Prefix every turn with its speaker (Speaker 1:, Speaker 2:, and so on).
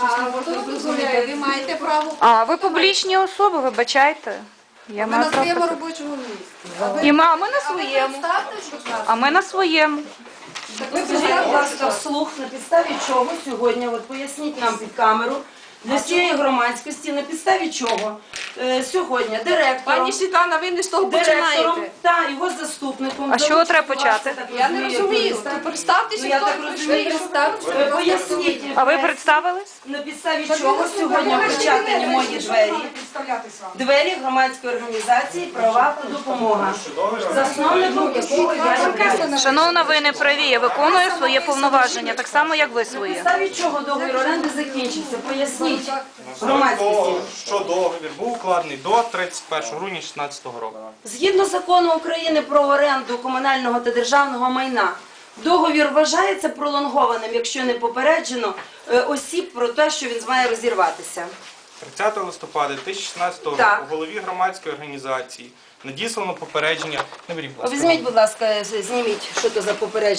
Speaker 1: Ви маєте право.
Speaker 2: А, ви публічні особи, вибачайте. Я
Speaker 1: Ми
Speaker 2: маю
Speaker 1: на
Speaker 2: право
Speaker 1: своєму
Speaker 2: так.
Speaker 1: робочому місці.
Speaker 2: І ми на своєму. А ми на своєму.
Speaker 3: Скажіть, будь ласка, вслух, на підставі чого сьогодні, от поясніть нам під камеру, для всієї громадськості, на підставі чого сьогодні директором,
Speaker 1: Пані Світлана, ви не з того починаєте.
Speaker 3: та його заступником.
Speaker 2: А з чого треба почати?
Speaker 1: Я не розумію. Представтеся,
Speaker 3: Я
Speaker 1: хто
Speaker 3: так
Speaker 1: ви
Speaker 3: розумію,
Speaker 1: прийшли.
Speaker 3: поясніть,
Speaker 2: А ви представились?
Speaker 3: на підставі чого сьогодні причатані мої двері громадської організації «Правова допомога», засновником якого я являюся.
Speaker 2: Шановна, ви не праві. Я виконую своє повноваження, так само, як ви
Speaker 3: На
Speaker 2: своє.
Speaker 3: підставі чого договір оренди закінчився? Поясніть громадськості.
Speaker 4: Що договір був укладений до 31 грудня 2016 року.
Speaker 3: Згідно закону України про оренду комунального та державного майна, договір вважається пролонгованим, якщо не попереджено осіб про те, що він має розірватися.
Speaker 4: 30 листопада 2016 року
Speaker 3: Так.
Speaker 4: голові громадської організації надіслано попередження. Не беріть, будь ласка.
Speaker 3: Візьміть, будь ласка, зніміть, що це за попередження.